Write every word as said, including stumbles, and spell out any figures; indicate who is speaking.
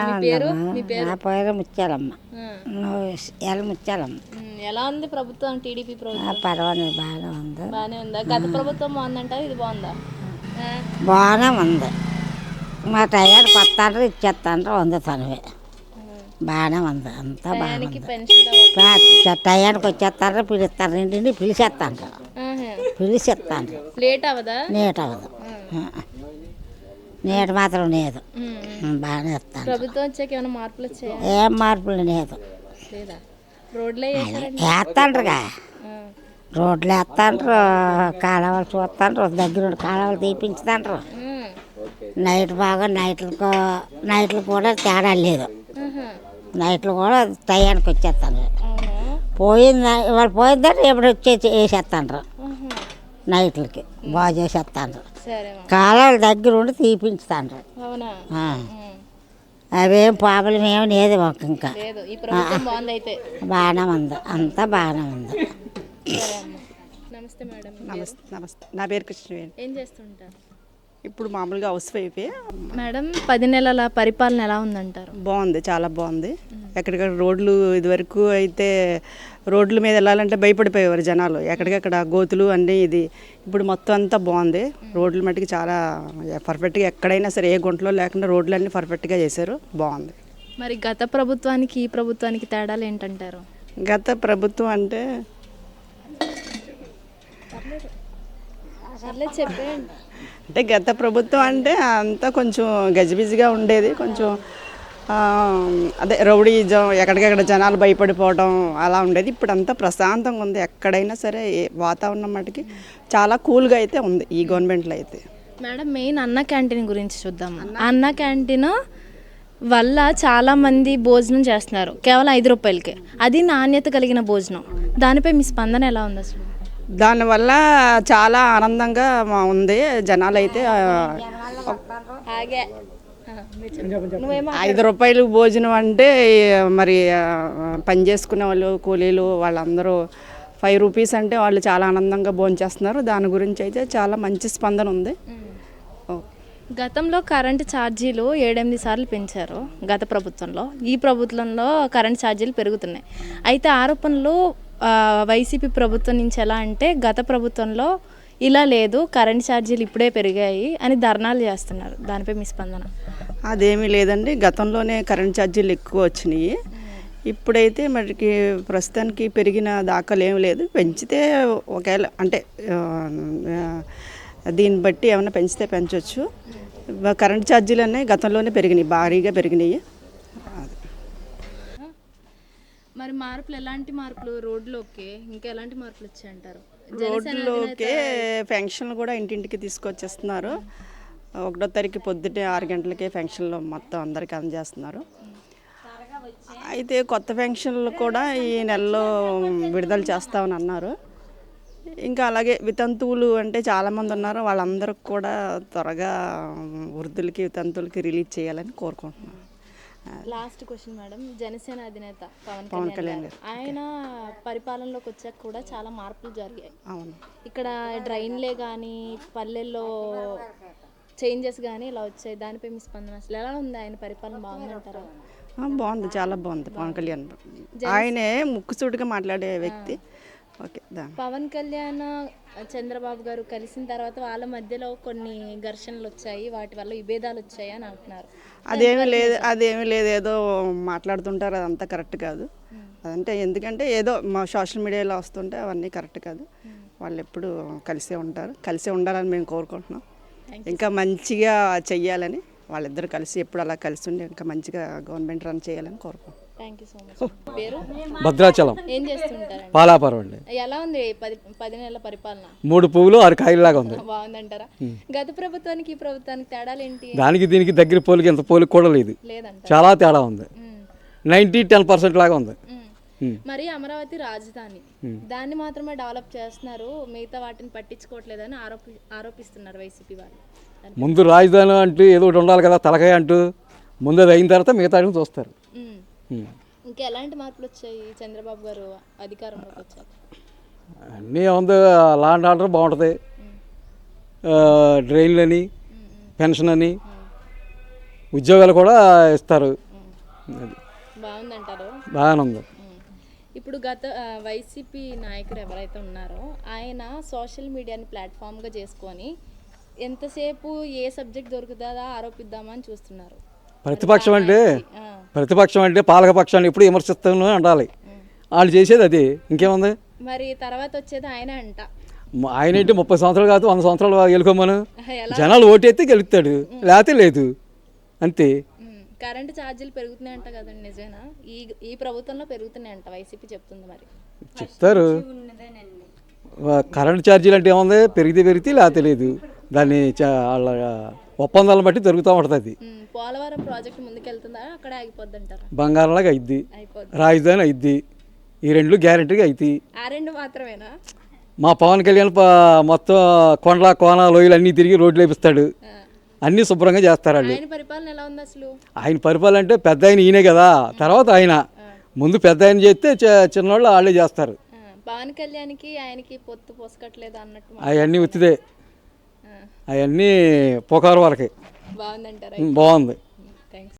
Speaker 1: మీ పేరు మీ పేరు
Speaker 2: నా పేరు ముత్యాలమ్మ.
Speaker 1: ఆ.
Speaker 2: నువ్వు ఎలా ముత్యాలమ్మ?
Speaker 1: ఉమ్, ఎలా ఉంది ప్రభుత్వం టీడీపీ
Speaker 2: ఆ,
Speaker 1: ప్రభుత్వం?
Speaker 2: పర్వాలేదు, బాగానే ఉంది.
Speaker 1: బాగానే ఉందా? గత ప్రభుత్వం బాగుందంటారా ఇది బాగుందా? ఆ.
Speaker 2: బాగానే ఉంది. మా టయానికి వస్తాండ్రు ఇచ్చేస్తాండ్రు వందుతానువే. బాగానే ఉంది, అంతా బాగానే
Speaker 1: టయానికి
Speaker 2: ఉంది.
Speaker 1: పెన్షన్ రావట్లేదు.
Speaker 2: పా- టయానికి వచ్చేస్తాండ్రు పిలుస్తారు, ఇంటిని పిలిచేస్తాండ్రు
Speaker 1: ఆహా.
Speaker 2: పిలిచేస్తాండ్రు.
Speaker 1: లేట్ అవదా?
Speaker 2: నీట అవ్వదు, నీట మాత్రం లేదు.
Speaker 1: ఉమ్, ఉమ్.
Speaker 2: ఉమ్, బాగానే ఇస్తాను.
Speaker 1: ప్రభుత్వం వచ్చాక ఏమైనా మార్పులు వచ్చాయా?
Speaker 2: ఏం మార్పులు లేదు.
Speaker 1: లేదా? రోడ్లే వేసారండి.
Speaker 2: వేస్తాండ్రుగా,
Speaker 1: ఆ.
Speaker 2: రోడ్లు వేస్తాండ్రు, కాలువలు చూస్తాండ్రు, దగ్గర ఉండి కాలువలు తీపించుతాండ్రు.
Speaker 1: ఉమ్.
Speaker 2: నైట్ బాగా నైట్లకు నైట్లు కూడా తేడా లేదు.
Speaker 1: ఆహా.
Speaker 2: నైట్లు కూడా టయానికి వచ్చేస్తాను.
Speaker 1: అవునా?
Speaker 2: పోయింది వాళ్ళు పోయిందని ఎప్పుడు వచ్చేసి వేసేస్తాండ్రు.
Speaker 1: ఆహా.
Speaker 2: నైట్లకి బాగా చేసేస్తాండ్రు.
Speaker 1: సరేమా.
Speaker 2: కాలువల దగ్గర ఉండి తీపించుతాండ్రు.
Speaker 1: అవునా?
Speaker 2: ఆ.
Speaker 1: ఉమ్.
Speaker 2: అవేం ప్రాబ్లం ఏమి లేదు మాకు. ఇంకా
Speaker 1: లేదు, ఈ ప్రభుత్వం బాగుంది అయితే.
Speaker 2: బాగానే ఉంది, అంతా బాగానే ఉంది.
Speaker 1: సరే అమ్మ. నమస్తే మేడం. మీ పేరు?
Speaker 3: నమస్తే నమస్తే నా పేరు కృష్ణవేణి.
Speaker 1: ఏం చేస్తుంటారు?
Speaker 3: ఇప్పుడు మామూలుగా హౌస్ వైఫే.
Speaker 1: మేడం, పది నెలల పరిపాలన ఎలా ఉందంటారు?
Speaker 3: బాగుంది, చాలా బాగుంది. ఎక్కడికక్కడ రోడ్లు ఇదివరకు అయితే రోడ్ల మీద వెళ్ళాలంటే భయపడిపోయేవారు జనాలు, ఎక్కడికక్కడ గోతులు అన్నీ. ఇది ఇప్పుడు మొత్తం అంతా బాగుంది. రోడ్ల మట్టుకు చాలా పర్ఫెక్ట్గా, ఎక్కడైనా సరే ఏ గుంటలో లేకుండా రోడ్లు అన్నీ పర్ఫెక్ట్గా చేశారు, బాగుంది.
Speaker 1: మరి గత ప్రభుత్వానికి ఈ ప్రభుత్వానికి తేడాలు ఏంటంటారు?
Speaker 3: గత ప్రభుత్వం అంటే
Speaker 1: సర్లే చెప్పేయండి.
Speaker 3: అంటే గత ప్రభుత్వం అంటే అంతా కొంచెం గజిబిజిగా ఉండేది. కొంచెం ఆ, అదే రౌడీజం, ఎక్కడికెక్కడ జనాలు భయపడిపోవడం అలా ఉండేది. ఇప్పుడు అంతా ప్రశాంతంగా ఉంది. ఎక్కడైనా సరే ఏ వాతావరణం మటుకి చాలా కూల్గా అయితే ఉంది ఈ గవర్నమెంట్లో అయితే.
Speaker 1: మేడం, మెయిన్ అన్న క్యాంటీన్ గురించి చూద్దాం. అన్న క్యాంటీన్ వల్ల చాలామంది భోజనం చేస్తున్నారు కేవలం ఐదు రూపాయలకే. అది నాణ్యత కలిగిన భోజనం. దానిపై మీ స్పందన ఎలా ఉంది అసలు?
Speaker 3: దానివల్ల చాలా ఆనందంగా మా- ఉంది. జనాలు అయితే ఆ, ఐదు రూపాయలు భోజనం అంటే మరి ఆ, పని చేసుకునే వాళ్ళు కూలీలు వాళ్ళందరూ ఫైవ్ రూపీస్ అంటే వాళ్ళు చాలా ఆనందంగా భోంచేస్తున్నారు. దాని గురించి అయితే చాలా మంచి స్పందన ఉంది. ఓ.
Speaker 1: గతంలో కరెంటు ఛార్జీలు ఏడెనిమిది సార్లు పెంచారు గత ప్రభుత్వంలో. ఈ ప్రభుత్వంలో కరెంట్ ఛార్జీలు పెరుగుతున్నాయి. అయితే ఆరోపణలు ఆ, వైసీపీ ప్రభుత్వం నుంచి ఎలా అంటే, గత ప్రభుత్వంలో ఇలా లేదు, కరెంట్ ఛార్జీలు ఇప్పుడే పెరిగాయి అని ధర్నాలు చేస్తున్నారు. దానిపై మీ స్పందన?
Speaker 3: అదేమీ లేదండి, గతంలోనే కరెంట్ ఛార్జీలు ఎక్కువ వచ్చినాయి. ఇప్పుడైతే మరికి ప్రస్తుతానికి పెరిగిన దాఖలు ఏమి లేదు. పెంచితే ఒకవేళ అంటే ఆ, దీన్ని బట్టి ఏమైనా పెంచితే పెంచవచ్చు. కరెంట్ ఛార్జీలు అన్నీ గతంలోనే పెరిగినాయి, భారీగా పెరిగినాయి.
Speaker 1: మరి మార్పులు ఎలాంటి మార్పులు? రోడ్లోకి ఇంకా ఎలాంటి మార్పులు వచ్చాయంటారు?
Speaker 3: రోడ్లోకే ఫంక్షన్లు కూడా ఇంటింటికి తీసుకొచ్చేస్తున్నారు. ఒకటో తారీఖు పొద్దుటే ఆరు గంటలకే ఫంక్షన్లు మొత్తం అందరికీ అందజేస్తున్నారు. అయితే కొత్త ఫంక్షన్లు కూడా ఈ నెలలో విడుదల చేస్తామని అన్నారు. ఇంకా అలాగే వితంతువులు అంటే చాలామంది ఉన్నారు, వాళ్ళందరికి కూడా త్వరగా వృద్ధులకి వితంతువులకి రిలీజ్ చేయాలని కోరుకుంటున్నాను.
Speaker 1: లాస్ట్ క్వశ్చన్ మేడం, జనసేన అధినేత పవన్
Speaker 3: పవన్
Speaker 1: కళ్యాణ్
Speaker 3: కళ్యాణ్
Speaker 1: గారు, ఆయన పరిపాలనలోకి వచ్చాక కూడా చాలా మార్పులు జరిగాయి.
Speaker 3: అవును,
Speaker 1: ఇక్కడ డ్రైన్లే కానీ పల్లెల్లో చేంజెస్ కానీ ఇలా వచ్చాయి. దానిపై మీ స్పందన అసలు ఎలా ఉంది? ఆయన పరిపాలన బాగుందంటారా?
Speaker 3: ఆ, బాగుంది, చాలా బాగుంది. పవన్ కళ్యాణ్ ఆయనే ముక్కుసూటిగా మాట్లాడే వ్యక్తి. ఓకే. దాని
Speaker 1: పవన్ కళ్యాణ్ చంద్రబాబు గారు కలిసిన తర్వాత వాళ్ళ మధ్యలో కొన్ని ఘర్షణలు వచ్చాయి, వాటి వల్ల విభేదాలు వచ్చాయి అని అంటున్నారు.
Speaker 3: అదేమీ లేదు, అదేమీ లేదు, ఏదో మాట్లాడుతుంటారు, అదంతా కరెక్ట్ కాదు. అదంటే ఎందుకంటే ఏదో మా సోషల్ మీడియాలో వస్తుంటే అవన్నీ కరెక్ట్ కాదు. వాళ్ళు ఎప్పుడు కలిసే ఉంటారు, కలిసే ఉండాలని మేము కోరుకుంటున్నాం. ఇంకా మంచిగా చెయ్యాలని, వాళ్ళిద్దరు కలిసి ఎప్పుడు అలా కలిసి ఉండి ఇంకా మంచిగా గవర్నమెంట్ రన్ చేయాలని కోరుకుంటున్నాం.
Speaker 1: Thank you so much. పేరు?
Speaker 4: భద్రాచలం
Speaker 1: ఏం చేస్తుంటారండి?
Speaker 4: పాలాపురం అండి.
Speaker 1: ఎలా ఉంది పది పది నెలల పరిపాలన?
Speaker 4: మూడు పువ్వులు ఆరు కాయలాగా ఉంది.
Speaker 1: బాగుందంటారా? గత ప్రభుత్వానికి ఈ ప్రభుత్వానికి తేడాలు ఏంటి?
Speaker 4: దానికి దీనికి దగ్గర పోలికి ఇంత పోలికి కూడా లేదు,
Speaker 1: లేదంట.
Speaker 4: చాలా తేడా ఉంది. నైంటీ టెన్ పర్సెంట్ లాగా ఉంది.
Speaker 1: మరి అమరావతి రాజధాని, దాన్ని మాత్రమే డెవలప్ చేస్తున్నారు, మిగతా వాటిని పట్టించుకోవట్లేదని ఆరోపి ఆరోపిస్తున్నారు వైసీపీ వాళ్ళు.
Speaker 4: ముందు రాజధాని అంటూ ఏదో ఒకటి ఉండాలి కదా, తలకాయ అంటూ. ముందు అది అయిన తర్వాత మిగతా చూస్తారు.
Speaker 1: ఇంకా ఎలాంటి మార్పులు వచ్చాయి చంద్రబాబు గారు అధికారంలోకి వచ్చాక?
Speaker 4: అన్నీ ఉంది, లా అండ్ ఆర్డర్ బాగుంటుంది, డ్రైన్లు అని, పెన్షన్ అని, ఉద్యోగాలు కూడా ఇస్తారు. అది
Speaker 1: బాగుందంటారు.
Speaker 4: బాగానే ఉంది.
Speaker 1: ఉమ్. ఇప్పుడు గత ఆ, వైసీపీ నాయకుడు ఎవరైతే ఉన్నారో ఆయన సోషల్ మీడియాని ప్లాట్ఫామ్గా చేసుకొని ఎంతసేపు ఏ సబ్జెక్ట్ దొరుకుతుందా ఆరోపిద్దామని చూస్తున్నారు.
Speaker 4: ప్రతిపక్షం అంటే
Speaker 1: ఆ,
Speaker 4: ప్రతిపక్షం అంటే పాలక పక్షాన్ని ఎప్పుడు విమర్శిస్తాను ఉండాలి. వాళ్ళు చేసేది అది, ఇంకేముంది.
Speaker 1: మరి తర్వాత వచ్చేది ఆయన అంట.
Speaker 4: మ- ఆయన ఏంటి ముప్పై సంవత్సరాలు కాదు వంద సంవత్సరాలు గెలుకోమను,
Speaker 1: ఎలా
Speaker 4: జనాలు ఓటేస్తే గెలుస్తాడు, లేకపోతే లేదు, అంతే.
Speaker 1: ఉమ్, కరెంటు ఛార్జీలు పెరుగుతున్నాయంట కదండి, నిజమేనా? ఈ ఈ ప్రభుత్వంలో పెరుగుతున్నాయంట వైసీపీ చెప్తుంది. మరి
Speaker 4: చెప్తారు. వా- కరెంట్ ఛార్జీలు అంటే ఏముంది, పెరిగితే పెరిగితే లేకపోతే లేదు. దాన్ని చ- వాళ్ళ ఒప్పందాలను బట్టి జరుగుతూ ఉంటుంది.
Speaker 1: ఉమ్, పోలవరం ప్రాజెక్ట్ ముందుకెళ్తుందా అక్కడే ఆగిపోద్ది అంటారా?
Speaker 4: బంగారంలాగా అయిద్ది,
Speaker 1: అయిపోద్ది.
Speaker 4: రాజధాని అయిద్ది, ఈ రెండు గ్యారెంటీగా అవుతాయి.
Speaker 1: ఆ రెండు మాత్రమేనా?
Speaker 4: మా పవన్ కళ్యాణ్ ప- మొత్తం కొండల కోన లోయలు అన్నీ తిరిగి రోడ్లు వేపిస్తాడు,
Speaker 1: ఆ.
Speaker 4: అన్నీ శుభ్రంగా చేస్తారు వాళ్ళు.
Speaker 1: ఆయన పరిపాలన ఎలా ఉంది అసలు?
Speaker 4: ఆయన పరిపాలన అంటే పెద్ద ఆయన ఈయనే కదా, తర్వాత ఆయన ముందు పెద్ద ఆయన చేస్తే చి- చిన్నవాళ్ళు వాళ్ళే చేస్తారు.
Speaker 1: ఆ, పవన్ కళ్యాణ్కి ఆయనకి పొత్తు పొసకట్లేదు అన్నట్టు మా-
Speaker 4: అవన్నీ ఉత్తిదే,
Speaker 1: ఆ,
Speaker 4: అవన్నీ పుకారు వరకే.
Speaker 1: బాగుందంటారా?
Speaker 4: బాగుంది.